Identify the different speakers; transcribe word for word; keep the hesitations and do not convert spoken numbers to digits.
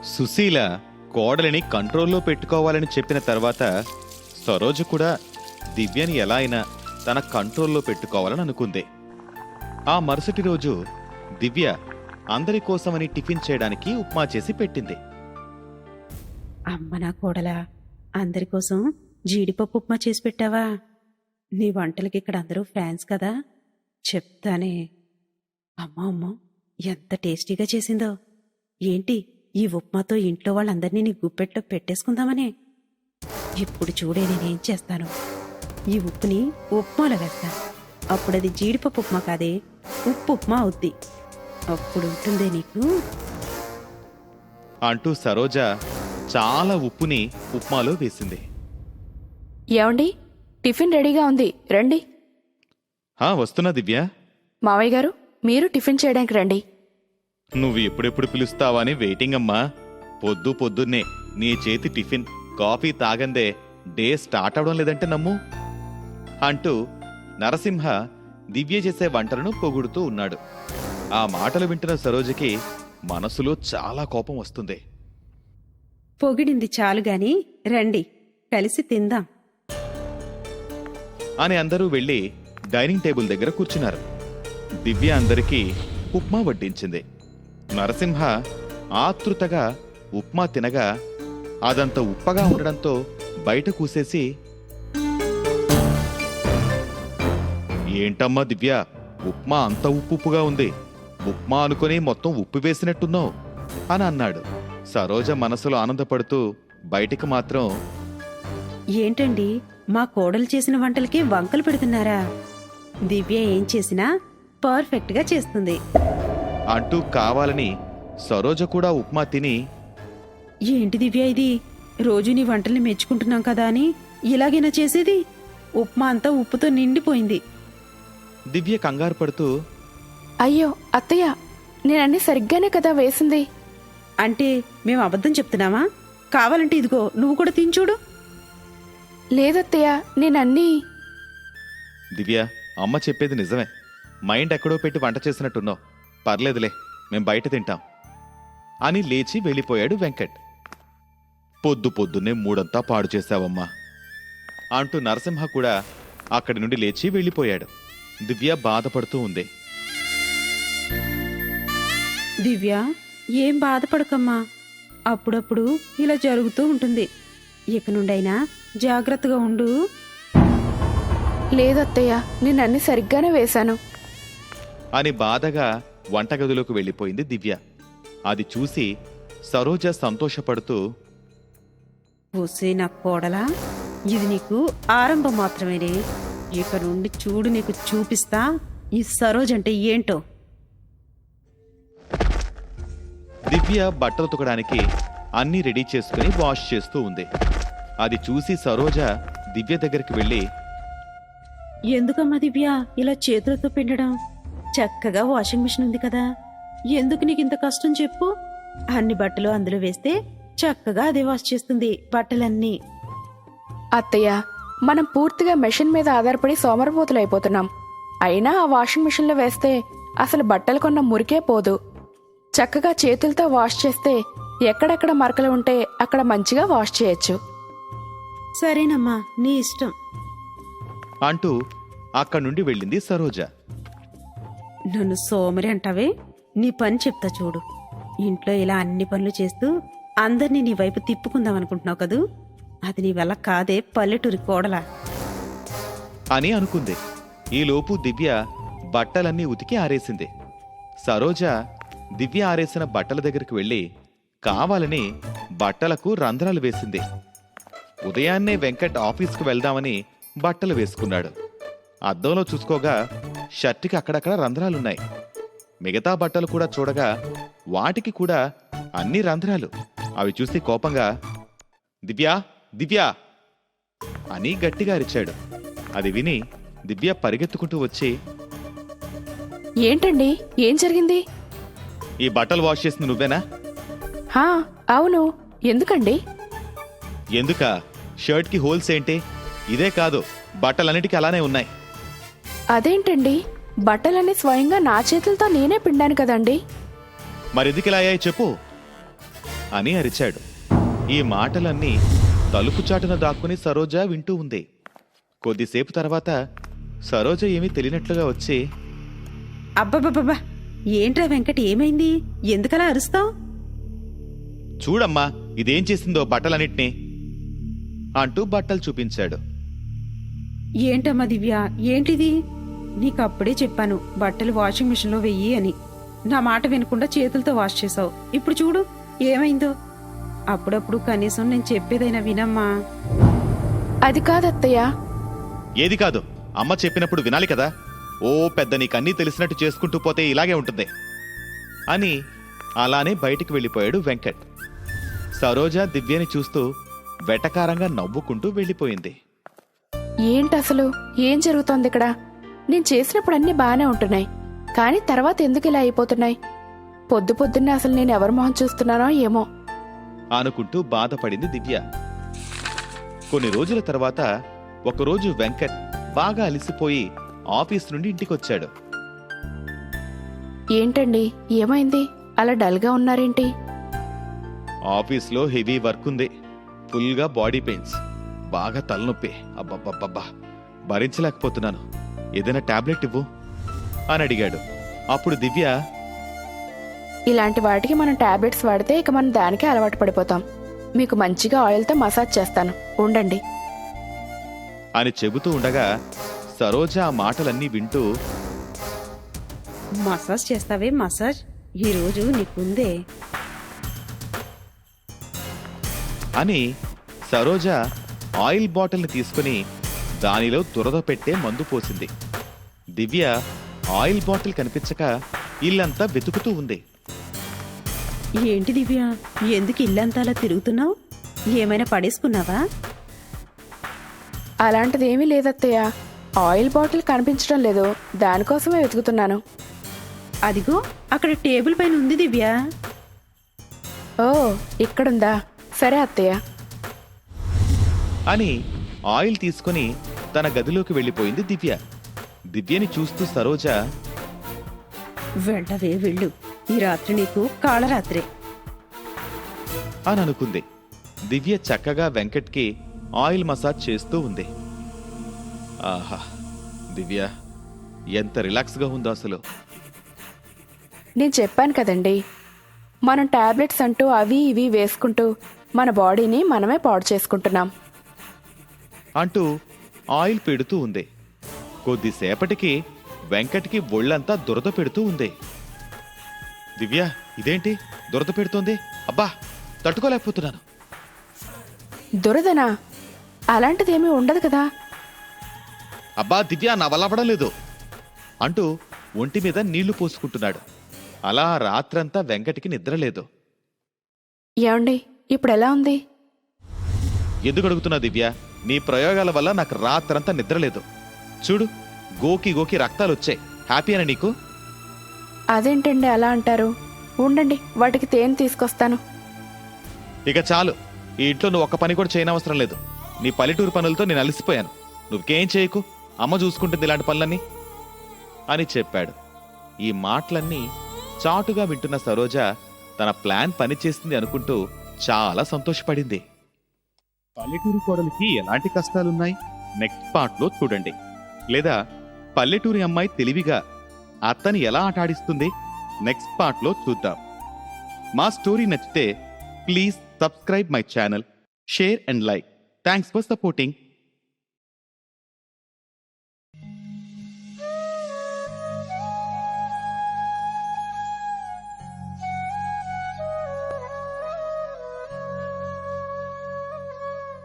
Speaker 1: సుశీల కోడలిని కంట్రోల్లో పెట్టుకోవాలని చెప్పిన తర్వాత సరోజ కూడా దివ్యని ఎలా అయినా తన కంట్రోల్లో పెట్టుకోవాలని అనుకుంది. ఆ మరుసటి రోజు దివ్య అందరి కోసమని టిఫిన్ చేయడానికి ఉప్మా చేసి పెట్టింది.
Speaker 2: అమ్మ నా కోడలా, అందరి కోసం జీడిపప్పు ఉప్మా చేసి పెట్టావా? నీ వంటలకి ఇక్కడ అందరూ ఫ్యాన్స్ కదా, చెప్తానే. అమ్మో అమ్మో, ఎంత టేస్టీగా చేసిందో. ఏంటి, ఈ ఉప్మాతో ఇంట్లో వాళ్ళందరినీ నీ గుప్పెట్లో పెట్టేసుకుందామనే? ఇప్పుడు చూడే నేనేం చేస్తాను. ఈ ఉప్పుని ఉప్మాలో వేస్తాను. అప్పుడది జీడిపప్పు ఉప్మా కాదే, ఉప్పు ఉప్మా అవుద్ది. అప్పుడు ఉంటుందే నీకు.
Speaker 1: అంటూ సరోజ చాలా ఉప్పుని ఉప్మాలో వేసింది.
Speaker 3: ఏమండి, టిఫిన్ రెడీగా ఉంది, రండి.
Speaker 1: హా వస్తున్నా దివ్య.
Speaker 3: మావయ్య గారు, మీరు టిఫిన్ చేయడానికి రండి.
Speaker 1: నువ్వు ఎప్పుడెప్పుడు పిలుస్తావని వెయిటింగ్ అమ్మా. పొద్దు పొద్దున్నే నీ చేతి టిఫిన్ కాఫీ తాగందే డే స్టార్ట్ అవడం లేదంటే నమ్ము అంటూ నరసింహ దివ్య చేసే వంటలను పొగుడుతూ ఉన్నాడు. ఆ మాటలు వింటున్న సరోజకి మనసులో చాలా కోపం వస్తుంది.
Speaker 2: పొగిడింది చాలుగాని రండి, కలిసి తిందాం
Speaker 1: అని అందరూ వెళ్లి డైనింగ్ టేబుల్ దగ్గర కూర్చున్నారు. దివ్య అందరికీ ఉప్మా వడ్డించింది. నరసింహ ఆతృతగా ఉప్మా తినగా అదంత ఉప్పగా ఉండడంతో బయట కూసేసి, ఏంటమ్మా దివ్య, ఉప్మా అంత ఉప్పు ఉప్పుగా ఉంది, ఉప్మా అనుకుని మొత్తం ఉప్పు వేసినట్టున్నావు అని అన్నాడు. సరోజ మనసులో ఆనందపడుతూ బయటికి మాత్రం,
Speaker 2: ఏంటండి, మా కోడలు చేసిన వంటలకి వంకలు పెడుతున్నారా? దివ్య ఏం చేసినా పర్ఫెక్ట్గా చేస్తుంది
Speaker 1: అంటూ కావాలని సరోజ కూడా ఉప్మా తిని,
Speaker 2: ఏంటి దివ్య ఇది, రోజు నీ వంటల్ని మెచ్చుకుంటున్నాం కదా అని ఇలాగైనా చేసేది? ఉప్మా అంతా ఉప్పుతో నిండిపోయింది.
Speaker 1: దివ్య కంగారు పడుతూ,
Speaker 3: అయ్యో అత్తయ్య, నేనన్నీ సరిగ్గానే కదా వేసింది.
Speaker 2: అంటే మేము అబద్ధం చెప్తున్నామా? కావాలంటే ఇదిగో నువ్వు కూడా తినచూడు.
Speaker 3: లేదత్తయ్య, నేనన్నీ.
Speaker 1: దివ్య, అమ్మ చెప్పేది నిజమే. మైండ్ ఎక్కడో పెట్టి వంట చేసినట్టున్నావు. పర్లేదులే, మేం బయట తింటాం అని లేచి వెళ్ళిపోయాడు వెంకట్. పొద్దు పొద్దున్నే మూడంతా పాడు చేశావమ్మా అంటూ నరసింహ కూడా అక్కడి నుండి లేచి వెళ్ళిపోయాడు. దివ్య బాధపడుతూ ఉంది.
Speaker 2: దివ్య, ఏం బాధపడకమ్మా, అప్పుడప్పుడు ఇలా జరుగుతూ ఉంటుంది. ఇక నుండైనా జాగ్రత్తగా ఉండు.
Speaker 3: లేదత్తయ్య, నేనన్నీ సరిగ్గానే వేశాను
Speaker 1: అని బాధగా వంటగదిలోకి వెళ్ళిపోయింది దివ్య. అది చూసి సరోజ సంతోషపడుతూ,
Speaker 2: పూసే నా కోడలా, ఇది నీకు ఆరంభం మాత్రమేనే. ఇక నుండి చూడు, నీకు చూపిస్తా ఈ సరోజ్ అంటే ఏంటో.
Speaker 1: దివ్య బట్టలు ఉతకడానికి అన్నీ రెడీ చేసుకుని వాష్ చేస్తూ ఉంది. అది చూసి సరోజ దివ్య దగ్గరికి వెళ్ళి,
Speaker 2: ఎందుకమ్మా దివ్య ఇలా చేతులతో పిండడం? చక్కగా వాషింగ్ మిషన్ ఉంది కదా, ఎందుకు నీకు ఇంత కష్టం చెప్పు? అన్ని బట్టలు అందులో వేస్తే చక్కగా అదే వాష్ చేస్తుంది బట్టలన్నీ.
Speaker 3: అత్తయ్య, మనం పూర్తిగా మెషిన్ మీద ఆధారపడి సోమరపోతులు అయిపోతున్నాం. అయినా ఆ వాషింగ్ మిషన్లో వేస్తే అసలు బట్టలు కొన్న మురికే పోదు. చక్కగా చేతులతో వాష్ చేస్తే ఎక్కడెక్కడ మరకలు ఉంటే అక్కడ మంచిగా వాష్ చేయొచ్చు.
Speaker 2: సరేనమ్మా, నీ ఇష్టం
Speaker 1: అంటూ అక్కడి నుండి వెళ్ళింది సరోజ.
Speaker 2: నన్ను సోమరి అంటావే? నీ పని చెప్తా చూడు. ఇంట్లో ఇలా అన్ని పనులు చేస్తూ అందరినీ నీ వైపు తిప్పుకుందాం అనుకుంటున్నావు కదూ, అది నీ వల్ల కాదే పల్లెటూరి కోడలా
Speaker 1: అని అనుకుంది. ఈలోపు దివ్య బట్టలన్నీ ఉతికి ఆరేసింది. సరోజ దివ్య ఆరేసిన బట్టల దగ్గరికి వెళ్ళి కావాలని బట్టలకు రంధ్రాలు వేసింది. ఉదయాన్నే వెంకట్ ఆఫీస్కు వెళ్దామని బట్టలు వేసుకున్నాడు. అద్దంలో చూసుకోగా షర్టుకి అక్కడక్కడ రంధ్రాలున్నాయి. మిగతా బట్టలు కూడా చూడగా వాటికి కూడా అన్ని రంధ్రాలు. అవి చూసి కోపంగా, దివ్యా దివ్యా అని గట్టిగా అరిచాడు. అది విని దివ్య పరిగెత్తుకుంటూ వచ్చి,
Speaker 3: ఏంటండి, ఏం జరిగింది?
Speaker 1: ఈ బట్టలు వాష్ చేసింది నువ్వేనా?
Speaker 3: హా అవును, ఎందుకండి?
Speaker 1: ఎందుక? షర్ట్కి హోల్స్ ఏంటి? ఇదే కాదు, బట్టలన్నిటికీ అలానే ఉన్నాయి.
Speaker 3: అదేంటండి, బట్టలన్నీ స్వయంగా నా చేతులతో నేనే పిండాను కదండి.
Speaker 1: మరెందుకు ఇలా అయ్యాయి చెప్పు అని అరిచాడు. ఈ మాటలన్నీ తలుపు చాటున దాక్కుని సరోజ వింటూ ఉంది. కొద్దిసేపు తర్వాత సరోజ ఏమీ తెలియనట్లుగా వచ్చి,
Speaker 2: అబ్బబ్బబ్బబ్బా, ఏంట్రా వెంకట్, ఏమైంది? ఎందుకలా అరుస్తావు?
Speaker 1: చూడమ్మా ఇదేం చేసిందో బట్టలన్నిటినీ అంటూ బట్టలు చూపించాడు.
Speaker 2: ఏంటమ్మా దివ్య, ఏంటిది? నీకప్పుడే చెప్పాను బట్టలు వాషింగ్ మిషన్లో వెయ్యి అని. నా మాట వినకుండా చేతులతో వాష్ చేసావు. ఇప్పుడు చూడు ఏమైందో. అప్పుడప్పుడు కనీసం నేను చెప్పేదైనా వినమ్మా.
Speaker 3: అది కాదత్తయ్య.
Speaker 1: ఏది కాదు, అమ్మ చెప్పినప్పుడు వినాలి కదా. ఓ పెద్ద నీకన్నీ తెలిసినట్టు చేసుకుంటూ పోతే ఇలాగే ఉంటుంది అని అలానే బయటికి వెళ్ళిపోయాడు వెంకట్. సరోజ దివ్యని చూస్తూ వెటకారంగా నవ్వుకుంటూ వెళ్ళిపోయింది.
Speaker 3: ఏంటసలు ఏం జరుగుతోంది ఇక్కడ? నేను చేసినప్పుడు అన్నీ బాగానే ఉంటున్నాయి, కానీ తర్వాత ఎందుకు ఇలా అయిపోతున్నాయి? పొద్దు పొద్దున్నే అసలు నేను ఎవరి మొహం చూస్తున్నానో ఏమో
Speaker 1: అనుకుంటూ బాధపడింది దివ్య. కొన్ని రోజుల తర్వాత ఒకరోజు వెంకట్ బాగా అలిసిపోయి ఆఫీస్ నుండి ఇంటికొచ్చాడు.
Speaker 3: ఏంటండి, ఏమైంది? అలా డల్గా ఉన్నారేంటి?
Speaker 1: ఆఫీస్లో హెవీ వర్క్ ఉంది, ఫుల్గా బాడీ పెయిన్స్, బాగా తలనొప్పి, అబ్బబ్బబ్బబ్బా భరించలేకపోతున్నాను, ఏదైనా టాబ్లెట్ ఇవ్వు అని అడిగాడు. అప్పుడు దివ్య,
Speaker 3: ఇలాంటి వాటికి మనం టాబ్లెట్స్ వాడితే ఇక మనం దానికే అలవాటు పడిపోతాం. మీకు మంచిగా ఆయిల్తో మసాజ్ చేస్తాను, ఉండండి
Speaker 1: అని చెబుతూ ఉండగా సరోజ ఆ మాటలన్నీ వింటూ,
Speaker 2: మసాజ్ చేస్తావే మసాజ్, ఈరోజు నీకుందే
Speaker 1: అని సరోజ ఆయిల్ బాటిల్ని తీసుకుని దానిలో దురద పెట్టే మందు పోసింది. దివ్య ఆయిల్ బాటిల్ కనిపించక ఇల్లంతా వెతుకుతూ ఉంది.
Speaker 2: ఏంటి దివ్య, ఎందుకు ఇల్లంతా అలా తిరుగుతున్నావు? ఏమైనా పడేసుకున్నావా?
Speaker 3: అలాంటిదేమీ లేదత్తయ్య, ఆయిల్ బాటిల్ కనిపించడం లేదు, దానికోసమే వెతుకుతున్నాను.
Speaker 2: అదిగో అక్కడ టేబుల్ పైన ఉంది దివ్య.
Speaker 3: ఓ, ఇక్కడుందా? సరే అత్తయ్య
Speaker 1: అని ఆయిల్ తీసుకుని తన గదిలోకి వెళ్ళిపోయింది దివ్య. దివ్యని చూస్తూ సరోజ,
Speaker 2: వెళ్ళవే వెళ్ళు, ఈ రాత్రి నీకు కాళరాత్రే
Speaker 1: అని అనుకుంది. దివ్య చక్కగా వెంకట్కి ఆయిల్ మసాజ్ చేస్తూ ఉంది. ఆహా, దివ్య ఎంత రిలాక్స్గా ఉందో అసలు.
Speaker 3: నేను చెప్పాను కదండి, మనం టాబ్లెట్స్ అంటూ అవి ఇవి వేసుకుంటూ మన బాడీని మనమే పాడు చేసుకుంటున్నాం
Speaker 1: అంటూ ఆయిల్ పెడుతూ ఉంది. కొద్దిసేపటికి వెంకట్కి ఒళ్ళంతా దురద పెడుతూ ఉంది. దివ్య, ఇదేంటి దురద పెడుతోంది? అబ్బా తట్టుకోలేకపోతున్నాను.
Speaker 3: దురదనా? అలాంటిదేమీ ఉండదు కదా.
Speaker 1: అబ్బా దివ్య, నా వల్ల అవ్వడం లేదు అంటూ ఒంటి మీద నీళ్లు పోసుకుంటున్నాడు. అలా రాత్రంతా వెంకట్కి నిద్రలేదు.
Speaker 3: ఏమండి, ఇప్పుడు ఎలా ఉంది?
Speaker 1: ఎందుకు అడుగుతున్నా దివ్య? నీ ప్రయోగాల వల్ల నాకు రాత్రంతా నిద్రలేదు. చూడు, గోకి గోకి రక్తాలు వచ్చాయి. హ్యాపీనా నీకు?
Speaker 3: అదేంటండి అలా అంటారు? ఉండండి, వాటికి తేనె తీసుకొస్తాను.
Speaker 1: ఇక చాలు, ఈ ఇంట్లో నువ్వు ఒక్క పని కూడా చేయనవసరం లేదు. నీ పల్లెటూరు పనులతో నేను అలసిపోయాను. నువ్వేం చేయకు, అమ్మ చూసుకుంటుంది ఇలాంటి పనులన్నీ అని చెప్పాడు. ఈ మాటలన్నీ చాటుగా వింటున్న సరోజ తన ప్లాన్ పనిచేస్తుంది అనుకుంటూ చాలా సంతోషపడింది. పల్లెటూరు కోడలికి ఎలాంటి కష్టాలున్నాయి నెక్స్ట్ పార్ట్లో చూడండి. లేదా పల్లెటూరి అమ్మాయి తెలివిగా అత్తని ఎలా ఆటాడిస్తుంది నెక్స్ట్ పార్ట్లో చూద్దాం. మా స్టోరీ నచ్చితే please subscribe my channel, share and like. Thanks for supporting.